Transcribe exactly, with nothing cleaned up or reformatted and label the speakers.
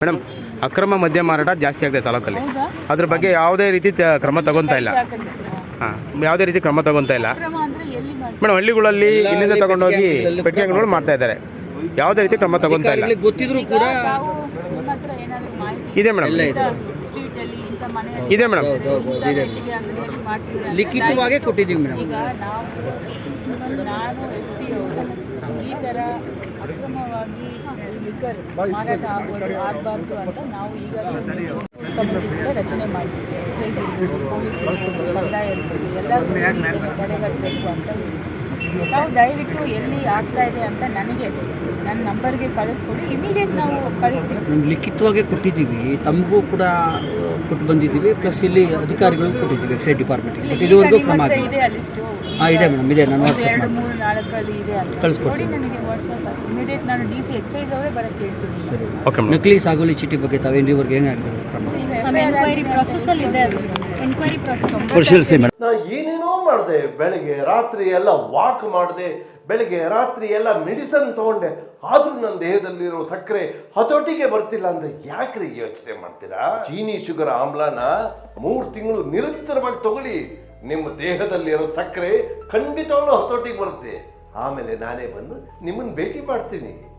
Speaker 1: Madam, ಅಕ್ರಮ ಮದ್ಯ ಮಾರಾಟ ಜಾಸ್ತಿ ಆಗಿದೆ ತಾಲೂಕಲ್ಲಿ. ಅದ್ರ ಬಗ್ಗೆ ಯಾವುದೇ ರೀತಿ ತ- ಕ್ರಮ ತಗೊಂತಾ ಇಲ್ಲ. ಹಾಂ, ಯಾವುದೇ ರೀತಿ ಕ್ರಮ ತಗೊಂತಾ ಇಲ್ಲ ಮೇಡಮ್. ಹಳ್ಳಿಗಳಲ್ಲಿ ಇಲ್ಲಿಂದ ತಗೊಂಡೋಗಿ ಪೆಟ್ಟಿಗೆ ಅಂಗಡಿಗಳು ಮಾಡ್ತಾ ಇದ್ದಾರೆ. ಯಾವುದೇ ರೀತಿ ಕ್ರಮ ತಗೊಂತಾ ಇಲ್ಲ.
Speaker 2: ಗೊತ್ತಿದ್ರು ಕೂಡ
Speaker 1: ಇದೆ ಮೇಡಮ್, ಇದೆ ಮೇಡಮ್.
Speaker 2: ಲಿಖಿತವಾಗಿ ಕೊಟ್ಟಿದ್ದೀವಿ ಮೇಡಮ್.
Speaker 3: ಈಗ ನಾವು ನಾನು ಎಸ್ ಪಿ ಅವರು ಈ ಥರ ಅಕ್ರಮವಾಗಿ ಲಿಕ್ಕರ್ ಮಾರಾಟ ಆಗೋದು ಆಗಬಾರ್ದು ಅಂತ ನಾವು ಈಗಾಗಲೇ ಕಮಿಟಿ ಕೂಡ ರಚನೆ ಮಾಡಿದ್ವಿ. ಎಕ್ಸೈಸ್ ಇರ್ಬೋದು, ಪೊಲೀಸ್ ಇರ್ಬೋದು, ಕಂದಾಯ ಇರ್ಬೋದು, ಎಲ್ಲರೂ ಸೇರಿ ಇದನ್ನು ತಡೆಗಟ್ಟಬೇಕು ಅಂತ ಹೇಳಿ ನಾವು ದಯವಿಟ್ಟು ಎಲ್ಲಿ ಆಗ್ತಾ ಇದೆ ಅಂತ ನನಗೆ ನನ್ನ ನಂಬರ್ಗೆ ಕಳಿಸ್ಕೊಡಿ, ಇಮಿಡಿಯೇಟ್ ನಾವು ಕಳಿಸ್ತೀವಿ.
Speaker 2: ಲಿಖಿತವಾಗಿ ಕೊಟ್ಟಿದ್ದೀವಿ, ತಮಗೂ ಕೂಡ ಕೊಟ್ಟು ಬಂದಿದ್ದೀವಿ, ಪ್ಲಸ್ ಇಲ್ಲಿ ಅಧಿಕಾರಿಗಳಿಗೂ ಕೊಟ್ಟಿದ್ದೀವಿ ಎಕ್ಸೈಸ್ ಡಿಪಾರ್ಟ್ಮೆಂಟ್ಗೆ. ಇದುವರೆಗೂ ಕ್ರಮ ಆಗಿದೆ.
Speaker 3: ಇದೆ ಆ ಲಿಸ್ಟು.
Speaker 2: ಹಾಂ, ಇದೆ ಮೇಡಮ್, ಇದೆ. ನಾನು
Speaker 3: ಎರಡು ಮೂರು ನಾಲ್ಕಲ್ಲಿ ಇದೆ ಅಂತ
Speaker 2: ಕಳಿಸ್ಕೊಡಿ
Speaker 3: ನನಗೆ ವಾಟ್ಸಪ್ ಆಗಿ ಇಮಿಡಿಯೇಟ್ ನಾನು ಡಿ ಸಿ ಎಕ್ಸೈಸ್ ಅವರೇ ಬರೋಕ್ಕೆ ಹೇಳ್ತೀನಿ.
Speaker 2: ಸರಿ.
Speaker 1: Okay madam.
Speaker 2: ನಕಲಿ ಸಾಗುವಳಿ ಚೀಟಿ ಬಗ್ಗೆ ತಾವೇನು ಇವ್ರಿಗೆ ಹೆಂಗಾಗಿದೆ ಕ್ರಮ?
Speaker 3: ಈಗ ಎನ್ಕ್ವೈರಿ ಪ್ರಾಸೆಸ್ಸಲ್ಲಿ ಇದೆ, ಅದು ಎನ್ಕ್ವೈರಿ ಪ್ರಾಸೆಸ್
Speaker 2: ಪರಿಶೀಲಿಸಿ ಮೇಡಮ್.
Speaker 4: ನಾ ಏನೇನೋ ಮಾಡಿದೆ, ಬೆಳಗ್ಗೆ ರಾತ್ರಿ ಎಲ್ಲ ವಾಕ್ ಮಾಡಿದೆ, ಬೆಳಗ್ಗೆ ರಾತ್ರಿ ಎಲ್ಲ ಮೆಡಿಸನ್ ತಗೊಂಡೆ, ಆದ್ರೂ ನನ್ನ ದೇಹದಲ್ಲಿರೋ ಸಕ್ಕರೆ ಹತೋಟಿಗೆ ಬರ್ತಿಲ್ಲ ಅಂದ್ರೆ ಯಾಕ್ರಿ ಯೋಚನೆ ಮಾಡ್ತೀರಾ? ಚೀನಿ ಶುಗರ್ ಆಮ್ಲನ ಮೂರು ತಿಂಗಳು ನಿರಂತರವಾಗಿ ತಗೊಳ್ಳಿ, ನಿಮ್ಮ ದೇಹದಲ್ಲಿರೋ ಸಕ್ಕರೆ ಖಂಡಿತವಾಗ್ಲೂ ಹತೋಟಿಗೆ ಬರುತ್ತೆ. ಆಮೇಲೆ ನಾನೇ ಬಂದು ನಿಮ್ಮನ್ನು ಭೇಟಿ ಮಾಡ್ತೀನಿ.